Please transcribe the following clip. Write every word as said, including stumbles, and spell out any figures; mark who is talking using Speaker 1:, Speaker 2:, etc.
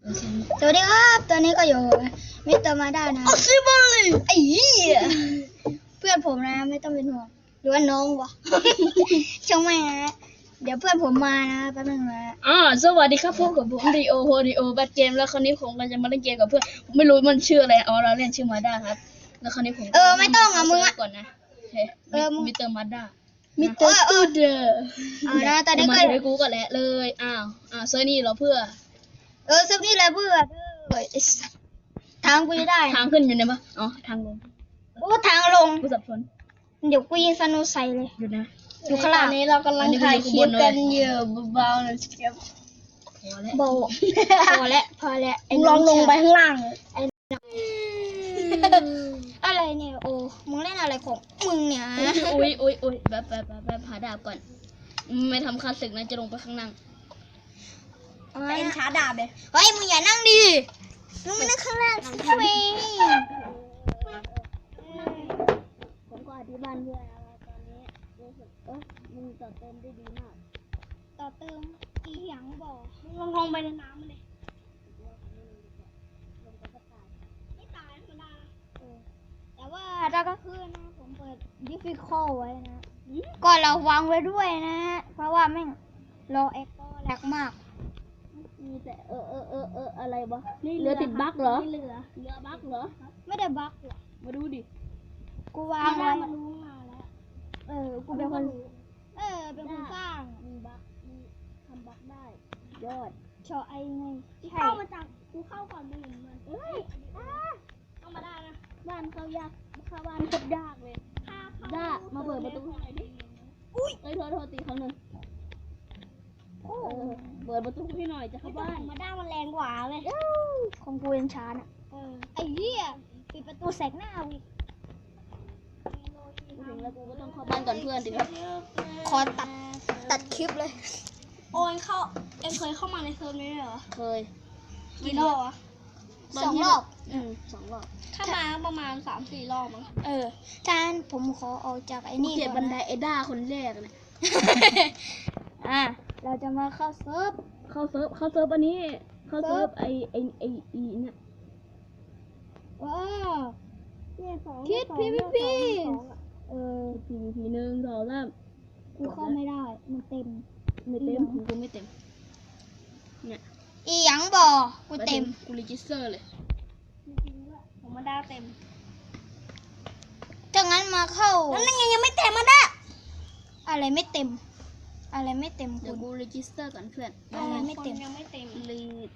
Speaker 1: สวัสดีครับตอนนี้ก็อยู่มิสเตอร์มาด้านะอซิบอลไอ้เหี้ยเพื่อนผมนะไม่ต้องเป็นห่วงหรือว่าน้องวะ ช่างไม่นะเดี๋ยวเพื่อนผมมานะแป๊บนึงนะ
Speaker 2: อ่าสวัสดีครับพบกับผมดีโอโฮดีโอแบทเกมแล้วคราวนี้ผมก็จะมาเล่นเกมกับเพื่อนไม่รู้มันชื่ออะไรอ๋อเราเล่นชื่อมาด้าครับแล้วคราวนี้ผม
Speaker 1: เออไม่ต้องอ่ะมึงอ่ะ
Speaker 2: ก่อนนะโอเคมิสเตอร์มาด้ามิ
Speaker 1: มิ
Speaker 2: ส
Speaker 1: ส
Speaker 2: เต
Speaker 1: เต
Speaker 2: อ
Speaker 1: อ
Speaker 2: ร์
Speaker 1: ร์
Speaker 2: ส
Speaker 1: เอ
Speaker 2: ตู
Speaker 1: อ
Speaker 2: ดิโอ
Speaker 1: เอานะตอนนี้
Speaker 2: มา
Speaker 1: ก็
Speaker 2: ให้กูก็แหละเลยอ้าวอ่าเซอร์นี่เราเพื่อ
Speaker 1: เออซึบนี่แหละเพื่อนเออไอ้สัสทางกูจะได้
Speaker 2: ทางขึ้นอยู่ไหนปะอ๋อทางลง
Speaker 1: โอ้ทางลง
Speaker 2: กูสับสน
Speaker 1: เดี๋ยวกูยิงสนุใส่เลย
Speaker 2: อยู่นะ
Speaker 1: อยู่ข้างล่าง
Speaker 2: ตอนนี้เรากำลังถ่ายคลิปกันอยู่เบาๆนะครับพอแล้ว
Speaker 1: โบพอแล้วพอแล้วไอ้
Speaker 2: ลองลงไปข้างล่าง
Speaker 1: อะไรเนี่ยโอ้มึงเล่นอะไรของมึงเนี่ย
Speaker 2: อุ้ยอุ้ยอุ้ยแบบแบบแบบแบบหาดาบก่อนไม่ทำค่าศึกนะจะลงไปข้างล่าง
Speaker 1: เป็นช้าดาบเลยเฮ้ยมึงอย่านั่งดิมึงมานั่งข้างล่างสิเว้ย
Speaker 2: ผมก็อธิบายเพื่อนอะไรตอนนี้รู้สึกเออมึงต่อเติมได้ดีมาก
Speaker 1: ต่อเติมอีหยังบอก
Speaker 2: มึงลงลงไปในน้ำมันเลย
Speaker 1: ไม่ตายธรรมดาเออแต่ว่าถ้าก็คือนะผมเปิด difficult ไว้นะก็เราวางไว้ด้วยนะเพราะว่าแม่งรอเอ็กก็แลกมาก
Speaker 2: มีแต่เออเออเออเอออะไรวะเรือติดบั๊กเหรอ
Speaker 1: เรือ
Speaker 2: เรือบั๊กเหรอ
Speaker 1: ไม่ได้บั๊กหรอก
Speaker 2: มาดูดิ
Speaker 1: กูวางไว้
Speaker 2: มันรู้มาแล้ว
Speaker 1: เออกูเป็นคนเออเป็นคนสร้าง
Speaker 2: มีบั๊กมีทำบั๊กได้ยอด
Speaker 1: ชอไอไง
Speaker 2: เข้ามาจากกูเข้าก่อนไปเห็นมันเอ้ยเข้ามาได้นะบ้านเข้ายากเข้าบ้านโคตรยากเลยด้ามาเปิดประตูให้หน่อยดิอุ้ยเอ้ยโทษโทษตีครั้งหนึ่งเออเปิดประตูให้หน่อยจะเข้าบ้าน
Speaker 1: มาด้ามันแรงกว่าเลยของกูยังช้าน่ะเออไอ้เหี้ยปิดประตูแสกหน้าวิ
Speaker 2: กูถึงแล้วกูก็ต้องเข้าบ้านก่อนเพื่อนดิครับ
Speaker 1: ขอตัดตัดคลิปเลย
Speaker 3: โอ้ยเข้าเอ็งเคยเข้ามาในเซิร์ฟนี้ด้วยเหรอ
Speaker 2: เคย
Speaker 3: กี่รอบวะ
Speaker 1: สองรอบ
Speaker 2: อืมสองรอบ
Speaker 3: เข้ามาประมาณสามสี่รอบมั้ง
Speaker 1: เออจานผมขอออกจากไอ้
Speaker 2: กู
Speaker 1: นี่
Speaker 2: เก็บ
Speaker 1: ก่
Speaker 2: บั
Speaker 1: อน
Speaker 2: นได
Speaker 1: นะ
Speaker 2: เอด้าคนแรกเลย
Speaker 1: อ่ะเราจะมาเข้าเซิร์ฟ
Speaker 2: เข้าเซิร์ฟเข้าเซิร์ฟอันนี้ เข้าเซิร์ฟไอไอไออีเนี่ย
Speaker 1: ว้าว
Speaker 3: เนี่ยสอง
Speaker 1: คิด PVP เออ
Speaker 2: พีวีพีหนึ่งสองสาม
Speaker 1: กูเข้าไม่ได้มันเต็ม
Speaker 2: ไม่เต็มของกูไม่เต็มเนี่ย
Speaker 1: อีหยังบ่กูเต็ม
Speaker 2: กูรีจิสเตอร์เลย
Speaker 3: ผมมาได้เต็ม
Speaker 1: ถ้างั้นมาเข้านั่นไงยังไม่เต็มมาด้าอะไรไม่เต็ม อะไรไม่เต็ม
Speaker 2: เดี๋ยว
Speaker 1: คุณ
Speaker 2: กูรีจิสเตอร์ก่อนเพื่อน
Speaker 1: อะไรไม่เต็ม
Speaker 3: ยังไม่เต็ม
Speaker 2: รี